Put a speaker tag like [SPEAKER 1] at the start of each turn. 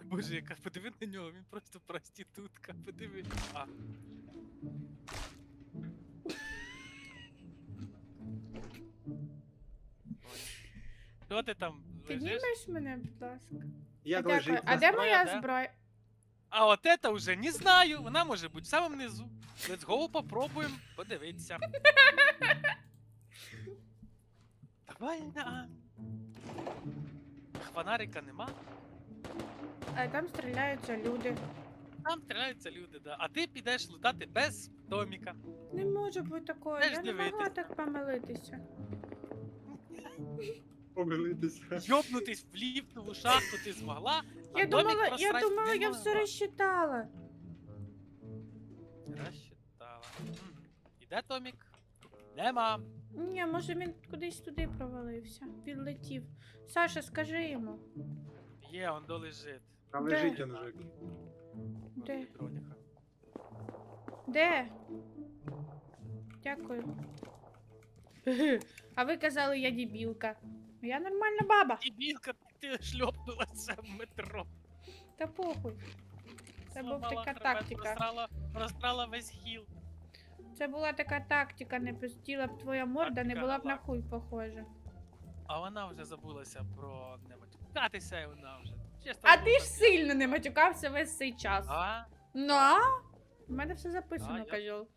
[SPEAKER 1] Боже, яка подиви на нього, він просто проститутка, подиви. А. Що ти там лежиш?
[SPEAKER 2] Піднімеш мене, будь ласка?
[SPEAKER 3] Я
[SPEAKER 2] Дякую.
[SPEAKER 3] лежить.
[SPEAKER 2] А де
[SPEAKER 1] Зброя,
[SPEAKER 2] моя
[SPEAKER 1] да?
[SPEAKER 2] зброя?
[SPEAKER 1] А от это уже не знаю, вона може бути в самому низу. Let's go, попробуємо подивитися. Давай на. Фонарика нема.
[SPEAKER 2] А там стріляються люди.
[SPEAKER 1] Там стріляються люди, да. А ти підеш лутати без Томіка.
[SPEAKER 2] Не може бути такого,
[SPEAKER 1] Теж
[SPEAKER 2] я не могла
[SPEAKER 1] дивитися.
[SPEAKER 2] так помилитися.
[SPEAKER 3] Помилитися.
[SPEAKER 1] Йобнутись в ліфтову шахту ти змогла. А
[SPEAKER 2] Я
[SPEAKER 1] Томік
[SPEAKER 2] думала,
[SPEAKER 1] просрать не
[SPEAKER 2] я все
[SPEAKER 1] могла.
[SPEAKER 2] розчитала.
[SPEAKER 1] Розчитала. І де Томік? Нема.
[SPEAKER 2] Ні, може він кудись туди провалився. Підлетів. Саша, скажи йому.
[SPEAKER 1] Є, он долежить.
[SPEAKER 3] А
[SPEAKER 2] Де?
[SPEAKER 3] лежить Анжик.
[SPEAKER 2] Де?
[SPEAKER 1] Дроніха.
[SPEAKER 2] Де? Дякую. А ви казали, я дебілка. Я нормальна баба.
[SPEAKER 1] Дебілка, ти шльопнулася в метро.
[SPEAKER 2] Та похуй. Це була
[SPEAKER 1] Зламала
[SPEAKER 2] така
[SPEAKER 1] хребет,
[SPEAKER 2] тактика.
[SPEAKER 1] Просрала весь хіл.
[SPEAKER 2] Це була така тактика, не пустила б твоя морда, не
[SPEAKER 1] Тактика
[SPEAKER 2] була б на
[SPEAKER 1] гала.
[SPEAKER 2] хуй похожа.
[SPEAKER 1] А вона вже забулася про не матюкатися, і вона вже. Чесно,
[SPEAKER 2] А ти
[SPEAKER 1] забула.
[SPEAKER 2] ж сильно не матюкався весь цей час.
[SPEAKER 1] А?
[SPEAKER 2] Ну, а? У мене все записано,
[SPEAKER 1] я-
[SPEAKER 2] кажу.